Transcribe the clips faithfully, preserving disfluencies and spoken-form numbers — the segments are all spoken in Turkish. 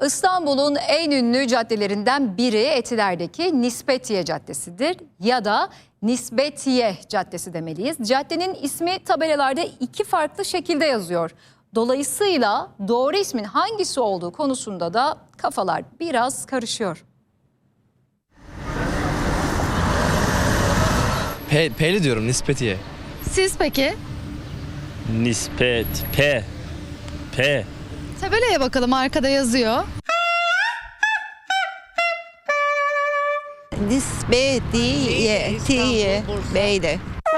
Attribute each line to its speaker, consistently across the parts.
Speaker 1: İstanbul'un en ünlü caddelerinden biri Etiler'deki Nispetiye Caddesi'dir ya da Nisbetiye Caddesi demeliyiz. Caddenin ismi tabelalarda iki farklı şekilde yazıyor. Dolayısıyla doğru ismin hangisi olduğu konusunda da kafalar biraz karışıyor.
Speaker 2: P, P'li diyorum, Nispetiye.
Speaker 3: Siz peki?
Speaker 4: Nispet, P, P.
Speaker 3: Tabelaya bakalım, arkada yazıyor.
Speaker 5: Nispetiye, tiye, beyle.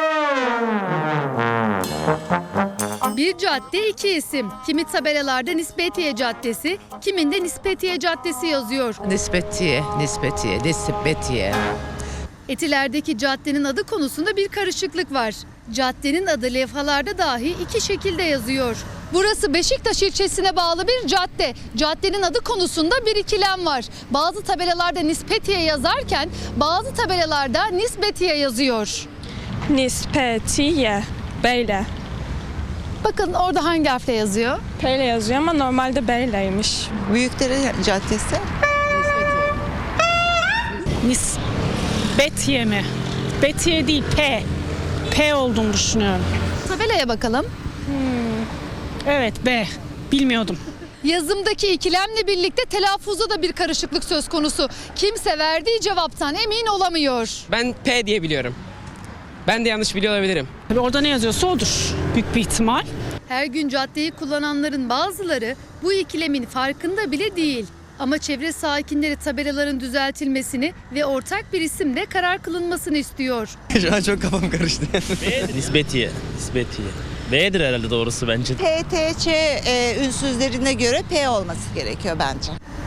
Speaker 3: Bir cadde iki isim. Kimi tabelalarda Nispetiye Caddesi, kiminde Nispetiye Caddesi yazıyor.
Speaker 6: Nispetiye, nispetiye, nispetiye.
Speaker 3: Etiler'deki caddenin adı konusunda bir karışıklık var. Caddenin adı levhalarda dahi iki şekilde yazıyor. Burası Beşiktaş ilçesine bağlı bir cadde. Caddenin adı konusunda bir ikilem var. Bazı tabelalarda Nispetiye yazarken bazı tabelalarda Nisbetiye yazıyor.
Speaker 7: Nispetiye, Beyle.
Speaker 3: Bakın orada hangi harfle yazıyor?
Speaker 7: P ile yazıyor ama normalde Beyle'ymiş.
Speaker 5: Büyükdere Caddesi.
Speaker 8: Nisbetiye mi? Betiye değil, P. P olduğunu düşünüyorum.
Speaker 3: Tabelaya bakalım.
Speaker 8: Evet, B. Bilmiyordum.
Speaker 3: Yazımdaki ikilemle birlikte telaffuzda da bir karışıklık söz konusu. Kimse verdiği cevaptan emin olamıyor.
Speaker 9: Ben P diye biliyorum. Ben de yanlış biliyor olabilirim.
Speaker 8: Tabii orada ne yazıyorsa odur. Büyük bir ihtimal.
Speaker 3: Her gün caddeyi kullananların bazıları bu ikilemin farkında bile değil. Ama çevre sakinleri tabelaların düzeltilmesini ve ortak bir isimle karar kılınmasını istiyor.
Speaker 2: Şu an çok kafam karıştı.
Speaker 4: Nispetiye, Nispetiye. B'dir herhalde doğrusu bence.
Speaker 5: P, T, Ç e, ünsüzlerine göre P olması gerekiyor bence.